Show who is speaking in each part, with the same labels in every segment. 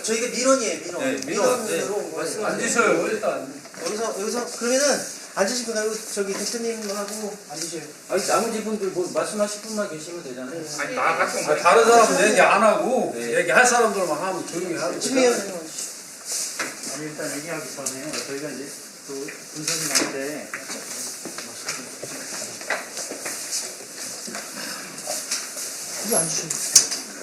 Speaker 1: 저희가 민원이에요, 민원.
Speaker 2: 네,
Speaker 1: 민원으로 온 거예요.
Speaker 2: 앉으셔요, 일단.
Speaker 1: 여기서 그러면은 앉으시고 나고 저기 대표님하고 앉으세요.
Speaker 3: 아니 나머지 분들 뭐 말씀하실 분만 계시면 되잖아요.
Speaker 4: 아니 나 같은
Speaker 2: 아, 다른 사람은 얘기 안 하고
Speaker 3: 네.
Speaker 2: 얘기할 사람들만 하면 조용히 하고.
Speaker 1: 친미연
Speaker 5: 아니 일단 얘기하기 전에 저희가 이제 또 군수님한테
Speaker 1: 이거 앉으시면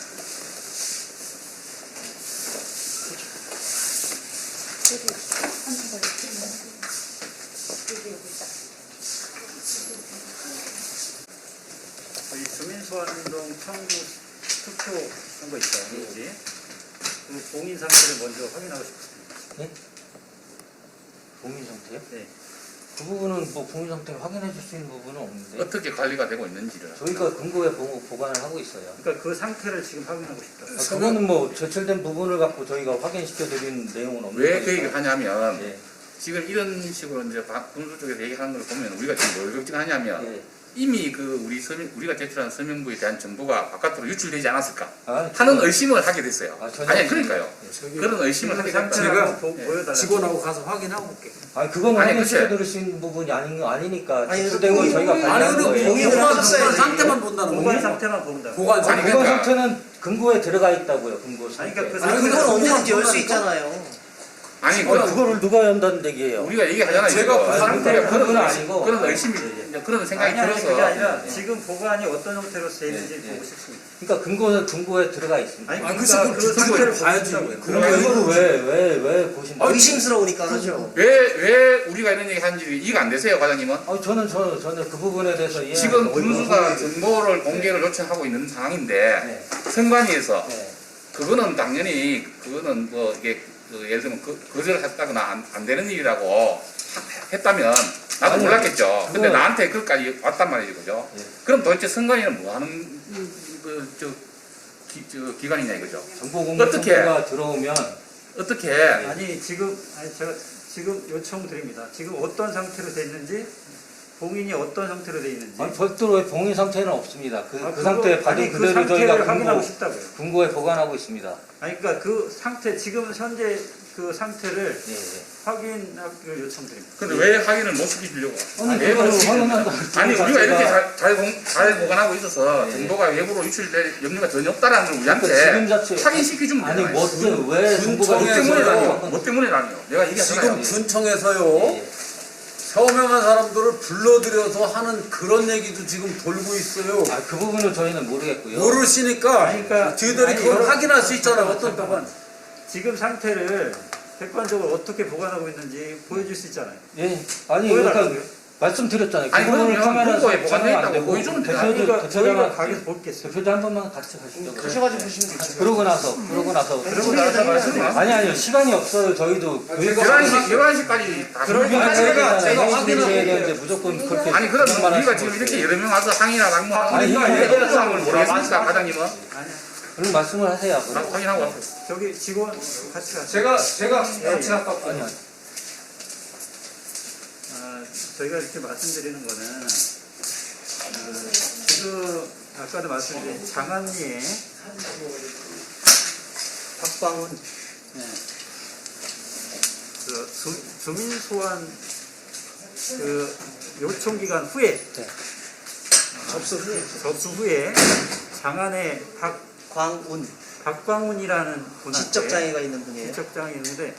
Speaker 5: 저희 주민소환운동 청구 투표 한 거 있어요. 그지? 그 봉인 상태를 먼저 확인하고 싶습니다.
Speaker 3: 봉인 상태요?
Speaker 5: 네.
Speaker 3: 그 부분은 뭐 봉인 상태를 확인해 줄 수 있는 부분은 없는데
Speaker 4: 어떻게 관리가 되고 있는지를.
Speaker 3: 저희가 근거에 보관을 하고 있어요.
Speaker 5: 그러니까 그 상태를 지금 확인하고 싶다.
Speaker 3: 그거는 뭐 제출된 부분을 갖고 저희가 확인시켜 드리는 내용은 없는
Speaker 4: 왜 그
Speaker 3: 거니까.
Speaker 4: 얘기를 하냐면
Speaker 3: 예.
Speaker 4: 지금 이런 식으로 이제 군수 쪽에서 얘기하는 걸 보면 우리가 지금 뭘 걱정하냐면
Speaker 3: 예.
Speaker 4: 이미 그 우리가 제출한 서명부에 대한 정보가 바깥으로 유출되지 않았을까
Speaker 3: 아,
Speaker 4: 하는 의심을 하게 됐어요.
Speaker 3: 전혀
Speaker 4: 아니 그러니까요.
Speaker 2: 저기
Speaker 4: 그런 의심을 하게 됐다.
Speaker 5: 상태를
Speaker 2: 제가
Speaker 5: 한번 보여달라.
Speaker 2: 직원하고 가서 확인하고 올게.
Speaker 3: 아니 그건
Speaker 4: 아니,
Speaker 3: 확인시켜
Speaker 4: 글쎄.
Speaker 3: 드릴 수 있는 부분이 아니니까
Speaker 1: 아니,
Speaker 3: 제출된 건 저희가
Speaker 1: 봉인-
Speaker 3: 관리하는
Speaker 2: 아니
Speaker 3: 거예요.
Speaker 1: 봉인을
Speaker 2: 보관
Speaker 1: 하셨어야지.
Speaker 2: 상태만 본다는
Speaker 5: 보관
Speaker 2: 거예요.
Speaker 5: 상태만 본다.
Speaker 2: 보관
Speaker 4: 아니,
Speaker 2: 상태.
Speaker 3: 보관
Speaker 4: 그러니까-
Speaker 3: 상태는 근거에 들어가 있다고요. 근거
Speaker 5: 아니,
Speaker 3: 상태.
Speaker 5: 그러니까 그
Speaker 1: 아니
Speaker 2: 근데
Speaker 1: 그건
Speaker 2: 그거는
Speaker 1: 언제든지 열 수
Speaker 2: 그거는
Speaker 1: 있잖아요.
Speaker 4: 아니
Speaker 3: 그거를 누가 연다는 얘기예요?
Speaker 4: 우리가 얘기하잖아요.
Speaker 2: 제가
Speaker 4: 이거.
Speaker 2: 그
Speaker 4: 우리가
Speaker 3: 그건
Speaker 4: 그런
Speaker 3: 아니고.
Speaker 4: 그런 의심이 이제 그런 생각이
Speaker 5: 아니 그게
Speaker 4: 들어서
Speaker 5: 아니라
Speaker 3: 네.
Speaker 5: 지금 보관이 어떤 형태로 돼 있는지
Speaker 3: 네, 네.
Speaker 5: 보고 싶습니다.
Speaker 3: 그러니까 근거에 들어가 있습니다.
Speaker 5: 아니
Speaker 2: 아,
Speaker 5: 그러니까
Speaker 2: 글쎄,
Speaker 5: 그
Speaker 2: 그걸
Speaker 5: 상태를
Speaker 2: 봐야지.
Speaker 5: 보고
Speaker 3: 그럼 이거를 왜 보신다고?
Speaker 1: 의심스러우니까 그러죠.
Speaker 4: 왜 우리가 이런 얘기 하는지 이해가 안 되세요, 과장님은?
Speaker 3: 저는 그 부분에 대해서 이해.
Speaker 4: 지금 군수가 정보를 공개를 요청하고 있는 상황인데
Speaker 3: 네.
Speaker 4: 선관위에서
Speaker 3: 네.
Speaker 4: 그거는 당연히 그거는 뭐 이게 예를 들면 거절했다거나 안 되는 일이라고 했다면 나도
Speaker 3: 아니,
Speaker 4: 몰랐겠죠. 근데
Speaker 3: 그건-
Speaker 4: 나한테 그것까지 왔단 말이죠, 그죠?
Speaker 3: 예.
Speaker 4: 그럼 도대체 선관위는 뭐 하는 기관이냐 이거죠?
Speaker 3: 정보 공개
Speaker 4: 어떻게?
Speaker 3: 청구가 들어오면
Speaker 4: 어떻게
Speaker 5: 아니 제가 지금 요청드립니다. 지금 어떤 상태로 돼 있는지 봉인이 어떤 상태로 돼 있는지
Speaker 3: 별도로의 봉인 상태는 없습니다. 그
Speaker 5: 그거-
Speaker 3: 상태 받은
Speaker 5: 아니, 그
Speaker 3: 그대로
Speaker 5: 상태를
Speaker 3: 저희가
Speaker 5: 확인하고 싶다고요.
Speaker 3: 근거에 보관하고 있습니다.
Speaker 5: 아니 그러니까 그 상태 지금 현재 그 상태를
Speaker 3: 예, 예.
Speaker 5: 확인하기를 요청드립니다.
Speaker 4: 근데 왜 확인을 못 시켜주려고?
Speaker 3: 아니
Speaker 4: 왜
Speaker 3: 그거를
Speaker 4: 못 시키냐?
Speaker 3: 확인한다.
Speaker 4: 아니 우리가 이렇게 잘 보관하고 있어서
Speaker 3: 네.
Speaker 4: 정보가 외부로 유출될 염려가 전혀 없다라는 걸 우리한테
Speaker 3: 지금 자체
Speaker 4: 확인시켜주면
Speaker 3: 아니
Speaker 4: 되잖아요.
Speaker 3: 왜 정보가
Speaker 4: 뭐 때문에라니요?
Speaker 3: 유출돼요?
Speaker 4: 뭐 때문에라니요? 내가 얘기하잖아요.
Speaker 2: 지금 군청에서요. 서명한 사람들을 불러들여서 하는 그런 얘기도 지금 돌고 있어요.
Speaker 3: 그 부분은 저희는 모르겠고요.
Speaker 2: 모르시니까
Speaker 5: 아니, 그러니까-
Speaker 2: 저희들이
Speaker 5: 아니,
Speaker 2: 그걸
Speaker 5: 여러-
Speaker 2: 확인할 수 있잖아요. 어떤
Speaker 5: 잠깐만.
Speaker 2: 동안.
Speaker 5: 지금 상태를 객관적으로 어떻게 보관하고 있는지 보여줄 수 있잖아요.
Speaker 3: 예, 아니
Speaker 5: 보여달라고요?
Speaker 3: 그러니까 말씀드렸잖아요.
Speaker 4: 아니,
Speaker 3: 그거를
Speaker 4: 그러면
Speaker 3: 카메라에서
Speaker 4: 보고에 보관돼
Speaker 3: 촬영 안
Speaker 4: 있다고
Speaker 3: 되고
Speaker 4: 보여주면 되잖아요.
Speaker 3: 대표들
Speaker 5: 그러니까 저희가
Speaker 3: 대표자가
Speaker 5: 가게에서 보겠습니다.
Speaker 3: 대표자 한 번만 같이 가시죠.
Speaker 1: 가셔가지고 보시면 되죠.
Speaker 3: 그러고 나서
Speaker 5: 그러고 나서 말씀하세요.
Speaker 3: 아니요 시간이 없어요. 저희도 교육
Speaker 4: 11시까지 다
Speaker 2: 그러니까 제가 확인을
Speaker 3: 해야 되는데
Speaker 2: 해볼게요.
Speaker 3: 무조건 그렇게
Speaker 4: 아니 그러면
Speaker 3: 그런 말
Speaker 4: 우리가
Speaker 3: 하시면
Speaker 4: 지금
Speaker 3: 어떡해요.
Speaker 4: 이렇게 여러 명 와서 항의나 낙무하고
Speaker 3: 아니,
Speaker 4: 있는
Speaker 3: 이게
Speaker 4: 이런 상황을 모르겠습니까, 과장님은?
Speaker 5: 아니야.
Speaker 3: 그런 말씀을 하세요.
Speaker 4: 확인하고 왔어요.
Speaker 5: 저기 직원 같이 가세요.
Speaker 2: 제가 같이
Speaker 5: 예, 예.
Speaker 2: 할까?
Speaker 3: 아니요.
Speaker 5: 저희가 이렇게 말씀드리는 거는 지금 아까도 말씀드린 장안리에
Speaker 1: 박광훈
Speaker 5: 그 주민 소환 그 요청 기간 후에 접수 후에 장안에
Speaker 1: 광운
Speaker 5: 박광훈이라는 분한테
Speaker 1: 지적 장애가 있는 분이에요.
Speaker 5: 지적장이 있는데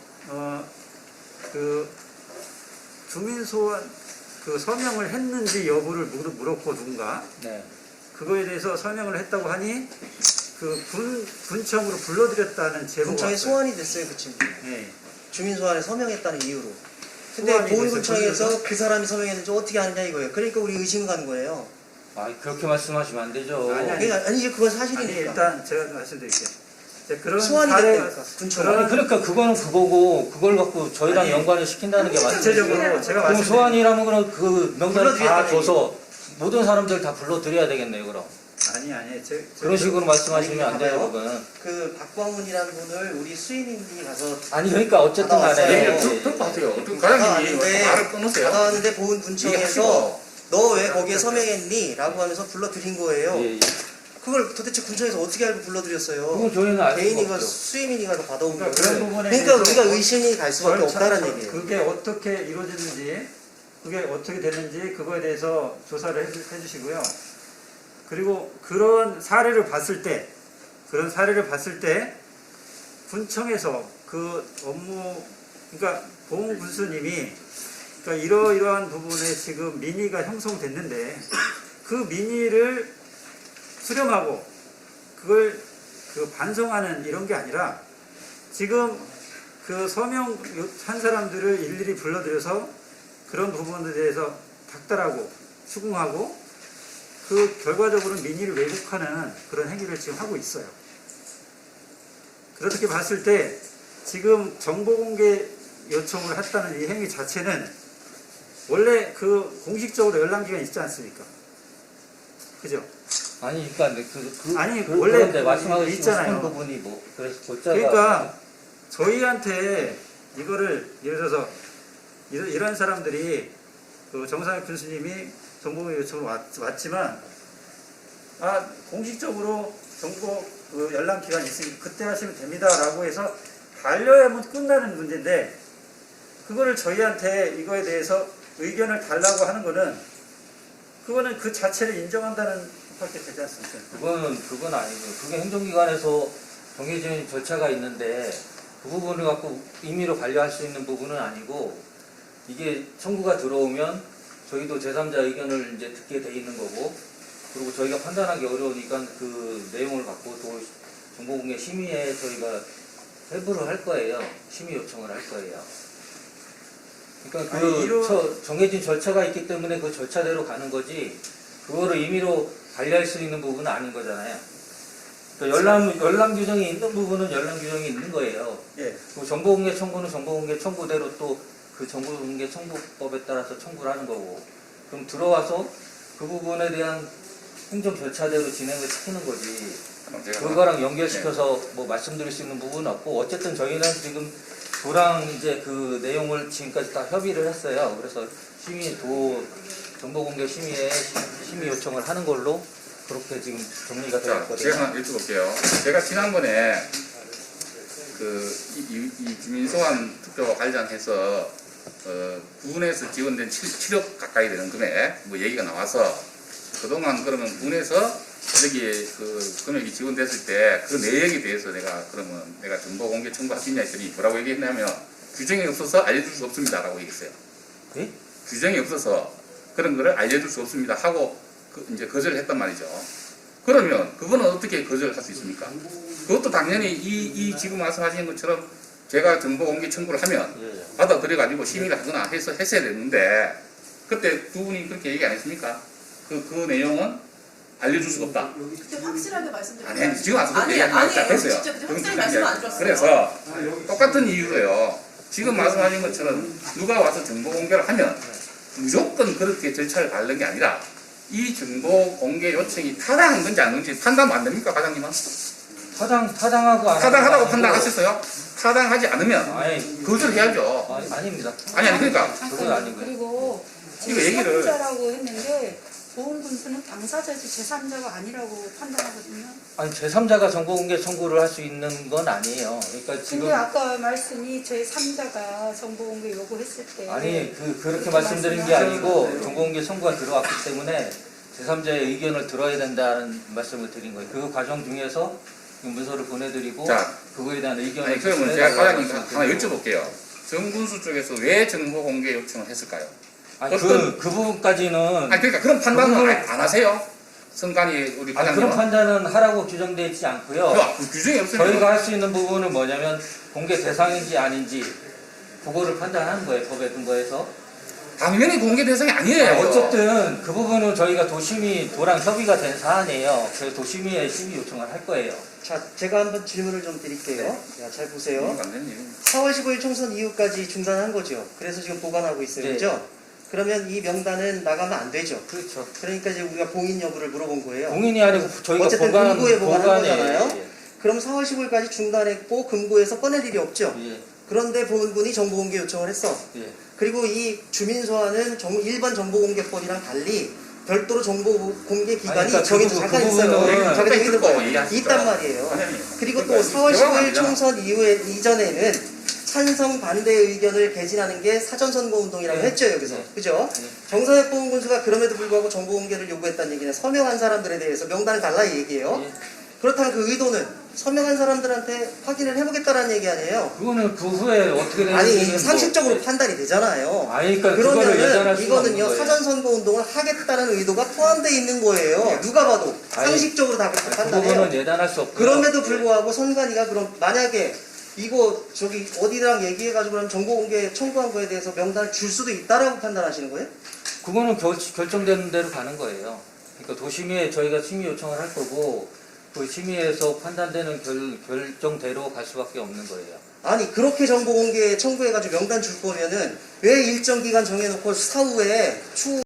Speaker 5: 그 주민 소환 그 서명을 했는지 여부를 물었고 누군가
Speaker 3: 네.
Speaker 5: 그거에 대해서 설명을 했다고 하니 그 군청으로 불러들였다는 제보가
Speaker 1: 군청에
Speaker 5: 왔어요.
Speaker 1: 소환이 됐어요, 그 친구.
Speaker 5: 네.
Speaker 1: 주민 소환에 서명했다는 이유로. 근데
Speaker 5: 소환이
Speaker 1: 보훈군청에서
Speaker 5: 됐어요.
Speaker 1: 그 사람이 서명했는지 어떻게 하느냐 이거예요. 그러니까 우리 의심 가는 거예요.
Speaker 3: 그렇게 말씀하시면 안 되죠.
Speaker 5: 아니,
Speaker 1: 그러니까 아니 이제 그건
Speaker 5: 아니
Speaker 1: 사실이니까.
Speaker 5: 일단 제가 말씀드릴게요. 이제 그런
Speaker 1: 소환이
Speaker 5: 사례-
Speaker 1: 됐다니까 군청.
Speaker 3: 아니, 그러니까 그거는 그거고 그걸 갖고 저희랑
Speaker 5: 아니,
Speaker 3: 연관을 시킨다는 게 맞죠.
Speaker 5: 구체적으로 제가
Speaker 3: 그럼
Speaker 5: 말씀드린
Speaker 3: 소환이라는 거는 그 명단을 다
Speaker 1: 불러드렸다는
Speaker 3: 줘서 모든 사람들 다 불러드려야 되겠네요. 그럼
Speaker 5: 아니
Speaker 3: 그런 식으로 말씀하시면 안 돼요.
Speaker 1: 봐봐요.
Speaker 3: 그건
Speaker 1: 그 박광훈이라는 분을 우리 수인님이 가서
Speaker 3: 아니 그러니까 어쨌든
Speaker 1: 받아왔어요.
Speaker 3: 간에
Speaker 4: 얘기를 듣고 하세요. 어떻게 과장님이
Speaker 1: 받아왔는데
Speaker 4: 말을 끊으세요?
Speaker 1: 받아왔는데 보훈군청에서
Speaker 4: 얘기하시고.
Speaker 1: 너 왜 거기에 서명했니? 라고 하면서 불러드린 거예요.
Speaker 3: 예, 예.
Speaker 1: 그걸 도대체 군청에서 어떻게 알고 불러드렸어요?
Speaker 3: 그건 저희는 알 수가
Speaker 1: 개인이가
Speaker 3: 없죠.
Speaker 1: 수임인이가 받아온 거예요.
Speaker 5: 그러니까 그런 부분에
Speaker 1: 그러니까
Speaker 5: 대해서
Speaker 1: 우리가 의심이 갈 수밖에 없다는 얘기예요.
Speaker 5: 그게 어떻게 이루어졌는지, 그게 어떻게 됐는지 그거에 대해서 조사를 해주시고요. 그리고 그런 사례를 봤을 때 군청에서 그 업무, 그러니까 보훈군수님이 그러니까 이러이러한 부분에 지금 민의가 형성됐는데 그 민의를 수렴하고 그걸 반성하는 이런 게 아니라 지금 그 서명한 사람들을 일일이 불러들여서 그런 부분에 대해서 닥달하고 추궁하고 그 결과적으로 민의를 왜곡하는 그런 행위를 지금 하고 있어요. 그렇게 봤을 때 지금 정보공개 요청을 했다는 이 행위 자체는 원래 그 공식적으로 열람기간이 있지 않습니까? 그죠?
Speaker 3: 아니 그러니까
Speaker 5: 아니,
Speaker 3: 그,
Speaker 5: 원래
Speaker 3: 그런데 말씀하고
Speaker 5: 있잖아요.
Speaker 3: 싶은 부분이 뭐 그래서 골자가
Speaker 5: 그러니까 저희한테 이거를 예를 들어서 이런 사람들이 그 정상혁 군수님이 정보공개 요청을 왔지만 공식적으로 정보 그 열람 기간이 있으니 그때 하시면 됩니다라고 해서 반려하면 끝나는 문제인데 그거를 저희한테 이거에 대해서 의견을 달라고 하는 거는 그거는 그 자체를 인정한다는 것밖에 되지 않습니까?
Speaker 3: 그건 아니고 그게 행정기관에서 정해진 절차가 있는데 그 부분을 갖고 임의로 반려할 수 있는 부분은 아니고 이게 청구가 들어오면 저희도 제3자 의견을 이제 듣게 돼 있는 거고 그리고 저희가 판단하기 어려우니까 그 내용을 갖고 또 정보공개 심의에 저희가 회부를 할 거예요. 심의 요청을 할 거예요. 그러니까 정해진 절차가 있기 때문에 그 절차대로 가는 거지 그거를 임의로 관리할 수 있는 부분은 아닌 거잖아요. 그러니까 열람 규정이 있는 부분은 열람 규정이 있는 거예요.
Speaker 5: 예.
Speaker 3: 그리고 정보공개 청구는 정보공개 청구대로 또 그 정보공개 청구법에 따라서 청구를 하는 거고 그럼 들어와서 그 부분에 대한 행정 절차대로 진행을 시키는 거지 그거랑 연결시켜서 뭐 말씀드릴 수 있는 부분은 없고 어쨌든 저희는 지금 도랑 이제 그 내용을 지금까지 다 협의를 했어요. 그래서 정보공개 심의에 심의 요청을 하는 걸로 그렇게 지금 정리가
Speaker 4: 자,
Speaker 3: 되었거든요.
Speaker 4: 제가 하나 여쭤볼게요. 제가 지난번에 이 김인성한 투표와 관련해서 군에서 지원된 7억 가까이 되는 금액 뭐 얘기가 나와서 그동안 그러면 군에서 여기에 그 금액이 지원됐을 때 그 내역에 대해서 내가 정보공개 청구할 수 있냐 했더니 뭐라고 얘기했냐면 규정이 없어서 알려줄 수 없습니다라고 얘기했어요.
Speaker 3: 예?
Speaker 4: 규정이 없어서 그런 거를 알려줄 수 없습니다 하고 이제 거절을 했단 말이죠. 그러면 그거는 어떻게 거절을 할 수 있습니까? 그것도 당연히 이 지금 말씀하신 것처럼 제가 정보공개 청구를 하면 받아들여가지고 심의를 하거나 해서 했어야 됐는데 그때 두 분이 그렇게 얘기 안 했습니까? 그 내용은 알려줄 수가 없다.
Speaker 6: 그때 확실하게 말씀드렸어요.
Speaker 4: 아니 지금 와서 그렇게 얘기하는 거 됐어요.
Speaker 6: 진짜 그때 확실히 말씀 안 드렸어요.
Speaker 4: 그래서 똑같은 이유로요. 지금 말씀하신 것처럼 누가 와서 정보공개를 하면 무조건 그렇게 절차를 밟는 게 아니라 이 정보공개 요청이 타당한 건지 아닌지 판단은 안 됩니까, 과장님은?
Speaker 3: 타당하고 안
Speaker 4: 타당하다고
Speaker 3: 하고
Speaker 4: 판단하셨어요? 타당하지 않으면
Speaker 3: 아니,
Speaker 4: 거절해야죠.
Speaker 3: 아닙니다.
Speaker 4: 아니 그러니까
Speaker 3: 그건 아니고요.
Speaker 6: 그리고
Speaker 4: 이거 얘기를-
Speaker 6: 제3자라고 했는데 보훈군수는 당사자지 제3자가 아니라고 판단하거든요.
Speaker 3: 아니 제3자가 정보공개 청구를 할 수 있는 건 아니에요. 그러니까 지금
Speaker 6: 근데 아까 말씀이 제3자가 정보공개 요구했을 때
Speaker 3: 아니 그렇게 말씀드린 게 아니고 정보공개 청구가 들어왔기 때문에 제3자의 의견을 들어야 된다는 말씀을 드린 거예요. 그 과정 중에서 문서를 보내드리고
Speaker 4: 자,
Speaker 3: 그거에 대한 의견을
Speaker 4: 아니 그러면 제가
Speaker 3: 전해달라고
Speaker 4: 과장님 하나
Speaker 3: 말씀드리고.
Speaker 4: 여쭤볼게요. 정군수 쪽에서 왜 정보공개 요청을 했을까요?
Speaker 3: 아니,
Speaker 4: 어떤-
Speaker 3: 그 부분까지는
Speaker 4: 아니 그러니까 그런 판단은
Speaker 3: 그거는-
Speaker 4: 안 하세요? 선관위 우리
Speaker 3: 그런
Speaker 4: 과장님은?
Speaker 3: 판단은 하라고 규정되어 있지 않고요.
Speaker 4: 그 규정이 없으면
Speaker 3: 저희가 할 수 있는 부분은 뭐냐면 공개 대상인지 아닌지 그거를 판단하는 거예요. 법에 근거해서.
Speaker 4: 당연히 공개 대상이 아니에요.
Speaker 3: 아니, 어쨌든 그 부분은 저희가 도랑 협의가 된 사안이에요. 그래서 도심위에 심의 요청을 할 거예요.
Speaker 1: 자, 제가 한번 질문을 좀 드릴게요. 자, 잘 보세요.
Speaker 4: 안 되니.
Speaker 1: 4월 15일 총선 이후까지 중단한 거죠. 그래서 지금 보관하고 있어요.
Speaker 3: 네.
Speaker 1: 그죠? 그러면 이 명단은 나가면 안 되죠.
Speaker 3: 그렇죠.
Speaker 1: 그러니까 이제 우리가 봉인 여부를 물어본 거예요.
Speaker 3: 공인이 아니고 저희가
Speaker 1: 어쨌든 금고에 보관한
Speaker 3: 보관에-
Speaker 1: 거잖아요.
Speaker 3: 예,
Speaker 1: 그럼 4월 15일까지 중단했고 금고에서 꺼낼 일이 없죠.
Speaker 3: 예,
Speaker 1: 그런데 보훈군이 정보공개 요청을 했어.
Speaker 3: 예.
Speaker 1: 그리고 이 주민소환은 일반 정보공개법이랑 달리 별도로 정보 공개 기간이
Speaker 3: 아니, 그러니까
Speaker 1: 정해져
Speaker 3: 그
Speaker 1: 잠깐
Speaker 3: 부분은
Speaker 1: 있어요. 잠깐
Speaker 4: 듣고
Speaker 1: 얘기해도
Speaker 4: 얘기하시죠.
Speaker 1: 있단 말이에요.
Speaker 4: 선생님.
Speaker 1: 그리고 또
Speaker 4: 그러니까
Speaker 1: 4월
Speaker 4: 대화가
Speaker 1: 15일
Speaker 4: 아니잖아.
Speaker 1: 총선 이전에는 찬성 반대 의견을 개진하는 게 사전선거 운동이라고
Speaker 3: 네.
Speaker 1: 했죠 여기서.
Speaker 3: 네.
Speaker 1: 그죠?
Speaker 3: 네.
Speaker 1: 정서협 보훈군수가 그럼에도 불구하고 정보 공개를 요구했다는 얘기는 서명한 사람들에 대해서 명단을 달라 이 얘기예요.
Speaker 3: 예.
Speaker 1: 그렇다면 그 의도는 서명한 사람들한테 확인을 해보겠다라는 얘기 아니에요?
Speaker 3: 그거는 그 후에 어떻게 되는지
Speaker 1: 아니 상식적으로 판단이 되잖아요.
Speaker 3: 아니 그러니까 그거를 예단할
Speaker 1: 그러면은
Speaker 3: 수가
Speaker 1: 이거는요
Speaker 3: 없는 거예요.
Speaker 1: 사전선거 운동을 하겠다는 의도가 포함되어 있는 거예요. 누가 봐도
Speaker 3: 아니,
Speaker 1: 상식적으로 다 그렇게
Speaker 3: 그
Speaker 1: 판단해요.
Speaker 3: 부분은 예단할 수 없고요.
Speaker 1: 그럼에도 불구하고 선관위가 그럼 만약에 이거 저기 어디랑 얘기해가지고 그럼 정보 공개 청구한 거에 대해서 명단을 줄 수도 있다라고 판단하시는 거예요?
Speaker 3: 그거는 결정되는 대로 가는 거예요. 그러니까 도심위에 저희가 심의 요청을 할 거고 그 심의에서 판단되는 결정대로 갈 수밖에 없는 거예요.
Speaker 1: 아니 그렇게 정보 공개 청구해가지고 명단 줄 거면은 왜 일정 기간 정해놓고 사후에 추후